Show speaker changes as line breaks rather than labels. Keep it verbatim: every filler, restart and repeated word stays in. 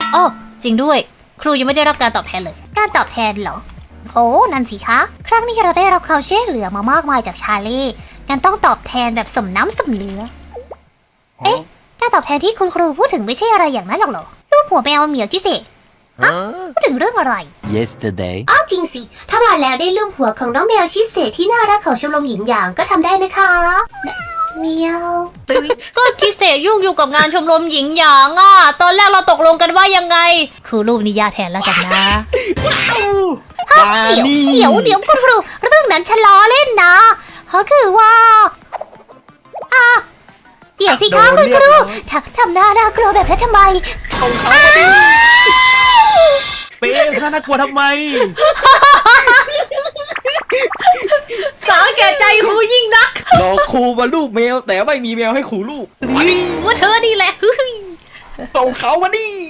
โอ้จริงด้วยครูยังไม่ได้รับการตอบแทนเลยการตอบแทนเหรอโอ้นั่นสิคะครั้งนี้เราได้รับความช่วยเหลือมามากมายจากชาเล่งั้นต้องตอบแทนแบบสมน้ำสมเนื้อเอ๊ะการตอบแทนที่คุณครูพูดถึงไม่ใช่อะไรอย่างนั้นหรอกเหรอรูปหัวแมวเหมียวจิเซฮะพูดถึงเรื่องอะไร
yesterday
อ้าวจริงสิถ้ามาแล้วได้รูปหัวของน้องแมวชิเซที่น่ารักของชมรมหญิงหยางก็ทำได้นะคะเมียวก็ชิเซยุ่งอยู่กับงานชมรมหญิงหยางอ่ะตอนแรกเราตกลงกันว่ายังไงคือรูปนี้ยาแทนแล้วกันนะเดี๋ยวเดี๋ยวเดี๋ยวคุณครูเรื่องนั้นฉันล้อเล่นนะเขาคือว่าอ่ะเดี๋ยวสิคะคุณครูทำทำหน้าน่ากลัวแบบนั้นทำไม
ของเขาเป๊ะท่าน่ากลัวทำไม
สาแก่ใจครูยิ่งนัก
หลอกครูมาลูกแมวแต่ไม่มีแมวให้ครูลูก
ว่าเธอนี่แหละ
ส่งเขามานี่